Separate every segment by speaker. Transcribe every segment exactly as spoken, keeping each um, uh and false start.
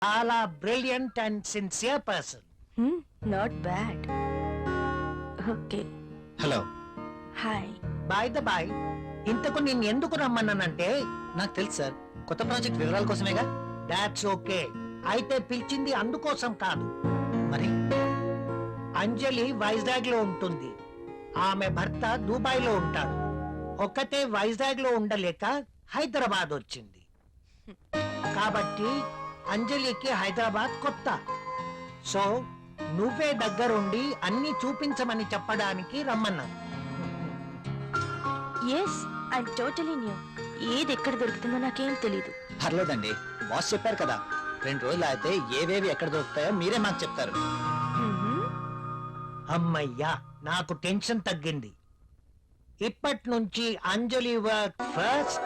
Speaker 1: చాలా brilliant and sincere person.
Speaker 2: Not bad. Okay.
Speaker 3: Hello.
Speaker 2: Hi.
Speaker 1: By the by, ఇంతకు నేను ఎందుకు రమ్మన్నానంటే
Speaker 3: నాకు తెలుసు సార్, కొత్త ప్రాజెక్ట్ వివరాల కోసమేగా.
Speaker 1: That's okay. అయితే పిలిచింది అందుకోసం కాదు.
Speaker 3: మరి
Speaker 1: అంజలి వైజాగ్ లో ఉంటుంది, ఆమె భర్త దుబాయ్ లో ఉంటాడు. ఒక్కతే వైజాగ్ లో ఉండలేక హైదరాబాద్ వచ్చింది. కాబట్టి అంజలికి హైదరాబాద్ కొత్త. సో నువ్వే దగ్గరుండి అన్ని చూపించమని చెప్పడానికి రమ్మన్నాను.
Speaker 2: Yes, I totally new. ఏది ఎక్కడ దొరుకుతుందో నాకేం తెలీదు.
Speaker 3: పర్లేదండి, బాస్ చెప్పారు కదా, రెండు రోజులు అయితే ఏవేవి ఎక్కడ దొరుకుతాయో మీరే మాకు చెప్తారు.
Speaker 1: అమ్మయ్యా, నాకు టెన్షన్ తగ్గింది. ఇప్పటి నుంచి Anjali work first,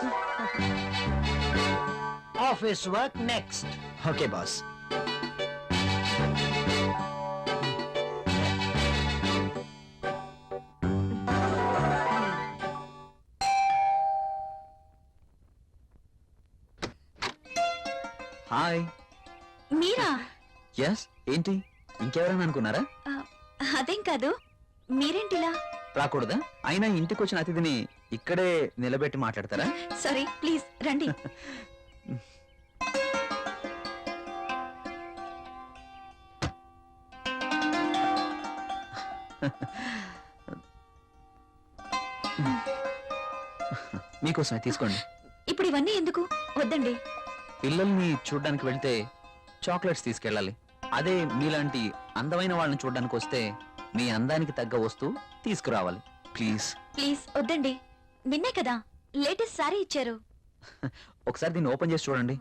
Speaker 1: office work next.
Speaker 3: Okay boss. Hi.
Speaker 2: మీరా?
Speaker 3: ఎస్. ఏంటి, ఇంకెవరైనా అనుకున్నారా?
Speaker 2: అదేం కాదు, మీరేంటిలా?
Speaker 3: రాకూడదా? అయినా ఇంటికి వచ్చిన అతిథిని ఇక్కడే నిలబెట్టి మాట్లాడతారా?
Speaker 2: సారీ, ప్లీజ్ రండి.
Speaker 3: మీకోసమే తీసుకోండి.
Speaker 2: ఇప్పుడు ఇవన్నీ ఎందుకు? వద్దండి.
Speaker 3: పిల్లల్ని చూడ్డానికి వెళ్తే చాక్లెట్స్ తీసుకెళ్ళాలి. అదే మీలాంటి అందమైన వాళ్ళని చూడడానికి వస్తే మీ అందానికి తగ్గ వస్తువు తీసుకురావాలి. ప్లీజ్
Speaker 2: ప్లీజ్ వద్దండి. నిన్నే కదా లేటెస్ట్ సారీ ఇచ్చారు.
Speaker 3: ఒకసారి దీన్ని ఓపెన్ చేసి చూడండి.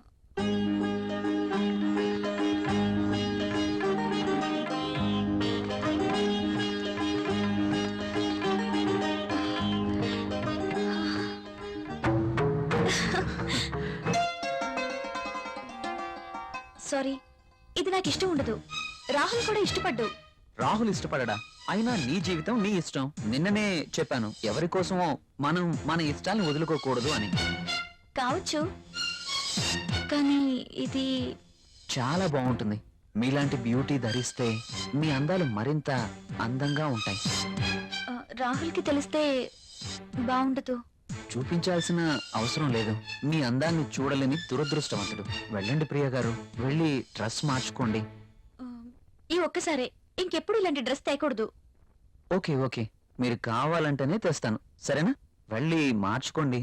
Speaker 2: సారీ, ఇది నాకు ఇష్టం ఉండదు. రాహుల్ కూడా ఇష్టపడ్డు.
Speaker 3: రాహుల్ ఇష్టపడడా? అయినా నీ జీవితం నీ ఇష్టం. నిన్ననే చెప్పాను, ఎవరి కోసమో మనం మన ఇష్టాల్ని వదులుకోకూడదు అని.
Speaker 2: కావచ్చు, కానీ ఇది
Speaker 3: చాలా బాగుంటుంది. మీలాంటి బ్యూటీ ధరిస్తే మీ అందాలు మరింత అందంగా ఉంటాయి.
Speaker 2: ఆ, రాహుల్కి తెలిస్తే బాగుండదు.
Speaker 3: చూపించాల్సిన అవసరం లేదు. మీ అందాన్ని చూడలేని దురదృష్టవంతుడు. వెళ్ళండి ప్రియ గారు, వెళ్ళి డ్రెస్ మార్చుకోండి.
Speaker 2: ఆ, ఈ ఒక్కసారే, ఇంకెప్పుడు ఇలాంటి డ్రెస్ తేకూడదు.
Speaker 3: ఓకే ఓకే, మీరు కావాలంటేనే తెస్తాను, సరేనా? వెళ్ళి మార్చుకోండి.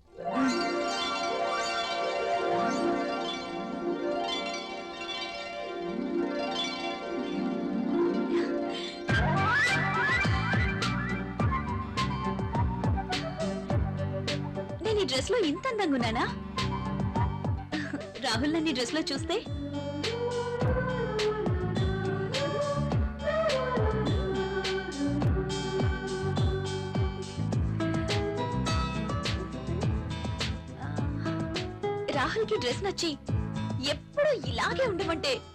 Speaker 2: నేను ఈ డ్రెస్ లో ఇంత అందంగా ఉన్నానా? రాహుల్ నన్ను ఈ డ్రెస్ లో చూస్తే రాహుల్ కి డ్రెస్ నచ్చి ఎప్పుడు ఇలాగే ఉండమంటే